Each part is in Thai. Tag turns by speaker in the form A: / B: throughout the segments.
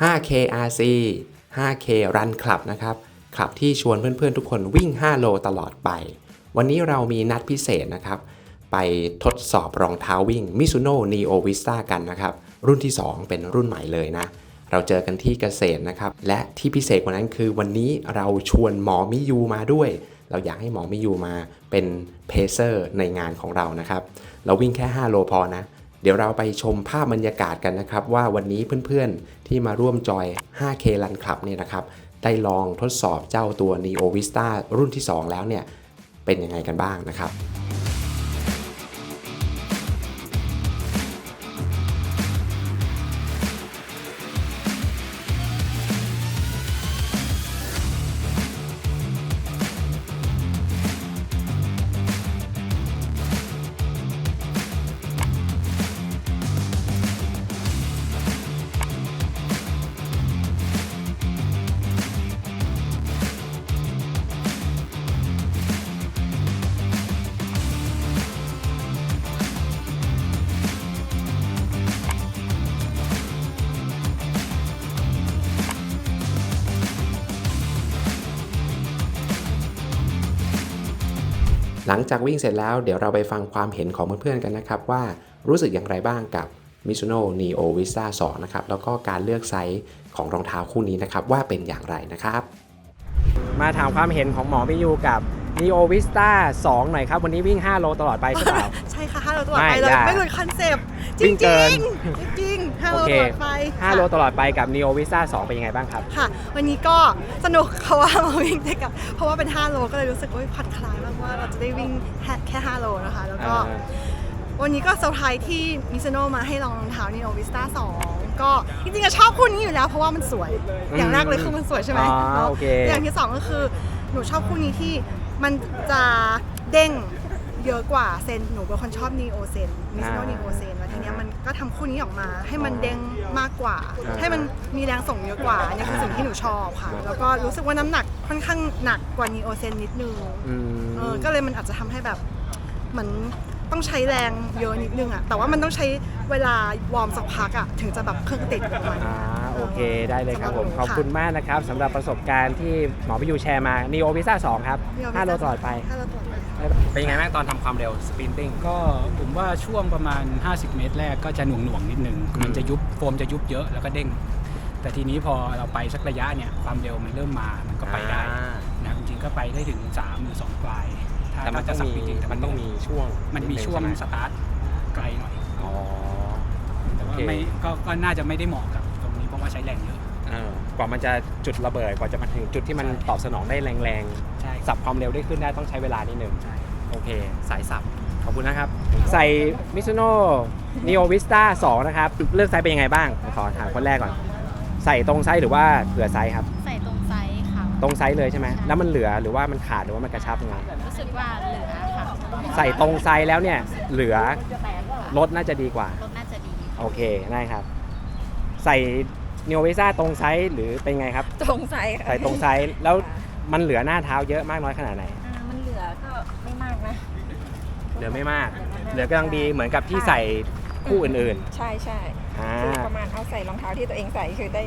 A: 5K RC 5K Run Club นะครับคลับที่ชวนเพื่อนๆทุกคนวิ่ง5โลตลอดไปวันนี้เรามีนัดพิเศษนะครับไปทดสอบรองเท้าวิ่ง Mizuno Neo Vista กันนะครับรุ่นที่2เป็นรุ่นใหม่เลยนะเราเจอกันที่เกษตรนะครับและที่พิเศษกว่านั้นคือวันนี้เราชวนหมอมิยูมาด้วยเราอยากให้หมอมิยูมาเป็นเพเซอร์ในงานของเรานะครับเราวิ่งแค่5โลพอนะเดี๋ยวเราไปชมภาพบรรยากาศกันนะครับว่าวันนี้เพื่อนๆที่มาร่วมจอย 5K Run Club เนี่ยนะครับได้ลองทดสอบเจ้าตัว Neo Vista รุ่นที่2แล้วเนี่ยเป็นยังไงกันบ้างนะครับหลังจากวิ่งเสร็จแล้วเดี๋ยวเราไปฟังความเห็นของเพื่อนๆกันนะครับว่ารู้สึกอย่างไรบ้างกับ Mizuno Neo Vista 2 นะครับแล้วก็การเลือกไซส์ของรองเท้าคู่นี้นะครับว่าเป็นอย่างไรนะครับมาถามความเห็นของหมอมิยูกับ Neo Vista 2 หน่อยครับวันนี้วิ่ง5โลตลอดไปใช่เปล่า
B: ใช่ค่ะ5โลตลอดไปเลยไม่หลุดคอนเซปต์จริงจริง5โลตลอดไป
A: 5โลตลอดไปกับ Neo Vista 2 เป็นยังไงบ้างครับ
B: ค่ะวันนี้ก็สนุกเขาว่ามาวิ่งด้วยกันเพราะว่าเป็น5โลก็เลยรู้สึกว่าผ่อนคลายมากว่าเราจะได้วิ่งแค่5โลนะคะแล้วก็วันนี้ก็เซอร์ไพรส์ที่มิซูโน่มาให้ลองรองเท้า Neo Vista 2 ก็จริงๆก็ชอบคู่นี้อยู่แล้วเพราะว่ามันสวยอย่างแรกเลยคือมันสวยใช่ไหมอย่างที่2ก็คือหนูชอบคู่นี้ที่มันจะเด้งเยอะกว่าเซนหนูเป็นคนชอบ Neo Zen Mizuno Neo Zen แล้วทีนี้มันก็ทำคู่นี้ออกมาให้มันเด้งมากกว่าให้มันมีแรงส่งเยอะกว่าอันนี้คือสิ่งที่หนูชอบค่ะแล้วก็รู้สึกว่าน้ำหนักค่อนข้างหนักกว่า Neo Zen นิดนึงก็เลยมันอาจจะทำให้แบบเหมือนต้องใช้แรงเยอะนิดนึงอะแต่ว่ามันต้องใช้เวลาวอร์มสักพักอะถึงจะแบบเครื่องติดกับมัน
A: โอเคได้เลยครับผมขอบคุณมากนะครับสำหรับประสบการณ์ที่หมอพิยูแชร์มา Neo Vista 2 ครับ5โลตลอดไปเป็นยังไงบ้างตอนทำความเร็วสปรินติ้ง
C: ก็ผมว่าช่วงประมาณ50เมตรแรกก็จะหน่วงนิดนึงมันจะยุบโฟมจะยุบเยอะแล้วก็เด้งแต่ทีนี้พอเราไปสักระยะเนี่ยความเร็วมันเริ่มมามันก็ไปได้นะจริงๆก็ไปได้ถึง3หรือ2ปลาย
A: แต่มันต้องมีมันต้องมีช่วง
C: สตาร์ทไกลหน่อยแต่ว่าไม่ก็น่าจะไม่ได้เหมาะกับตรงนี้เพราะว่าใช้แรงเยอะ
A: กว่ามันจะจุดระเบิดกว่าจะมาถึงจุดที่มันตอบสนองได้แรงๆสับความเร็วได้ขึ้นได้ต้องใช้เวลานิดนึงโอเคสายสับขอบคุณนะครับใส่ Mizuno Neo Vista 2 นะครับเลือกไซส์เป็นยังไงบ้างขอถามคนแรกก่อนใส่ตรงไซส์หรือว่าเผื่อไซส์ครับ
D: ใส่ตรงไซส์ค่ะ
A: ตรงไซส์เลยใช่ไหมแล้วมันเหลือหรือว่ามันขาดหรือว่ามันกระชับยังไง
D: รู้สึกว่าเหลือค่ะ
A: ใส่ตรงไซส์แล้วเนี่ยเหลือลดน่าจะดีกว่า
D: ลดน่าจะดี
A: โอเคได้ครับใส่Neo Vista ตรงไซส์หรือเป็นไงครับ
D: ตรงไซส์
A: ใส่ตรงไซส์แล้วมันเหลือหน้าเท้าเยอะมากน้อยขนาดไหน
D: มันเหลือก็ไม่มากนะ
A: เหลือไม่มากเหลือกำลังดีเหมือนกับที่ใส่คู่อื่น
E: ๆใช่คือประมาณเอาใส่รองเท้าที่ตัวเองใส่คือได้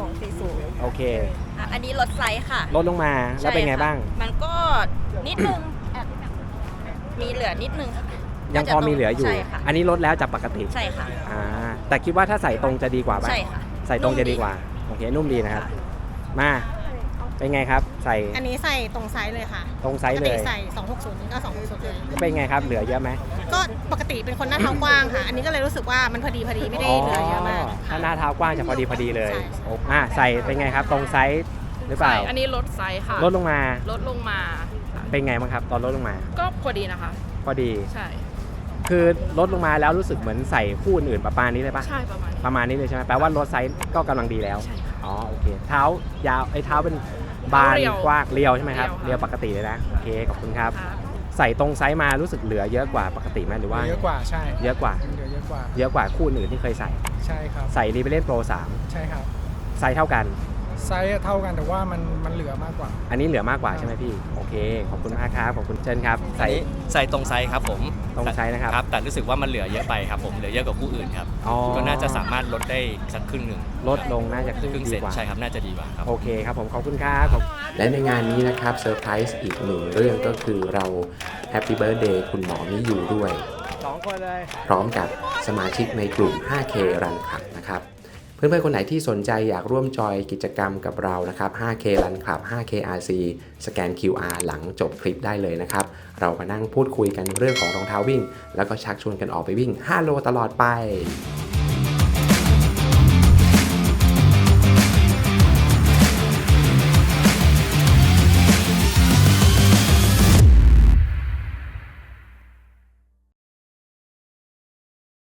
E: 240
A: โอเค
D: อันนี้ลดไซส์ค่ะ
A: ลดลงมาแล้วเป็นไงบ้าง
D: มันก็นิดนึงมีเหลือนิดนึง
A: ยังพอมีเหลืออยู่อันนี้ลดแล้วจากปกติ
D: ใช่ค่ะ
A: แต่คิดว่าถ้าใส่ตรงจะดีกว่าป่ะ
D: ใช่ค่ะ
A: ใส่ตรงจะดีกว่าโอเคนุ่มดีนะครับมาเป็นไงครับใส่
B: อันนี้ใส่ตรงไซส์เลยค่ะ
A: ตรงไซส์เลย
B: ใส่260นี่ก็260เลย
A: เป็นไงครับเหลือเยอะไหม
B: ก็ปกติเป็นคนหน้าเท้ากว้างค่ะอันนี้ก็เลยรู้สึกว่ามันพอดีไม่ได้เหลือเยอะมาก
A: ถ้าหน้าเท้ากว้างจะพอดีเลยใส่เป็นไงครับตรงไซส์หรือเปล่า
F: อันนี้ลดไซส์ค่ะ
A: ลดลงมาเป็นไงบ้างครับตอนลดลงมา
F: ก็พอดีนะคะ
A: พอดี
F: ใช่
A: คือลดลงมาแล้วรู้สึกเหมือนใส่คู่อื่นประมาณนี้เลยปะ
F: ใช่
A: ประมาณนี้เลยใช่ไหมแปลว่าลดไซส์ก็กำลังดีแล้วโอเคเท้ายาวเท้าเป็นบานกว้างเรียวใช่ไหมครับเรียวปกติเลยนะโอเคขอบคุณครับใส่ตรงไซส์มารู้สึกเหลือเยอะกว่าปกติไหมหรือว่า
C: เยอะกว่าใช่
A: เยอะกว่าคู่อื่นที่เคยใส่
C: ใช่ครับ
A: ใส่Rebellion Pro 3
C: ใช่ครับ
A: ไซส์เท่ากัน
F: ไซส์เท่ากันแต่ว่ามันเหลือมากกว่า
A: อันนี้เหลือมากกว่าใช่ไหมพี่โอเคขอบคุณมากครับขอบคุณเชิญครับใส่
G: ใส่ตรงไซส์ครับผม
A: ตรงไซส์นะครับ
G: แต่รู้สึกว่ามันเหลือเยอะไปครับผมเหลือเยอะกว่าคู่อื่นครับ
A: อ๋อ
G: ก็น่าจะสามารถลดได้สักครึ่งหนึ่ง
A: ลดลงน่าจะครึ่ง
G: ครึ่ง
A: ดี
G: เซน
A: กว่า
G: ใช่ครับน่าจะดีกว่าครับ
A: โอเคครับผมขอบคุณครับและในงานนี้นะครับเซอร์ไพรส์อีกหนึ่งเรื่องก็คือเราแฮปปี้เบิร์ดเดย์คุณหมอมิยูด้วย
C: 2 คนเลย
A: พร้อมกับสมาชิกในกลุ่ม 5K Run Club นะครับ เพื่อนๆ คนไหนที่สนใจอยากร่วมจอยกิจกรรมกับเรานะครับ 5K Run Club 5K RC สแกน QR หลังจบคลิปได้เลยนะครับ เรามานั่งพูดคุยกันเรื่องของรองเท้าวิ่ง แล้วก็ชักชวนกันออกไปวิ่ง 5 โลตลอดไป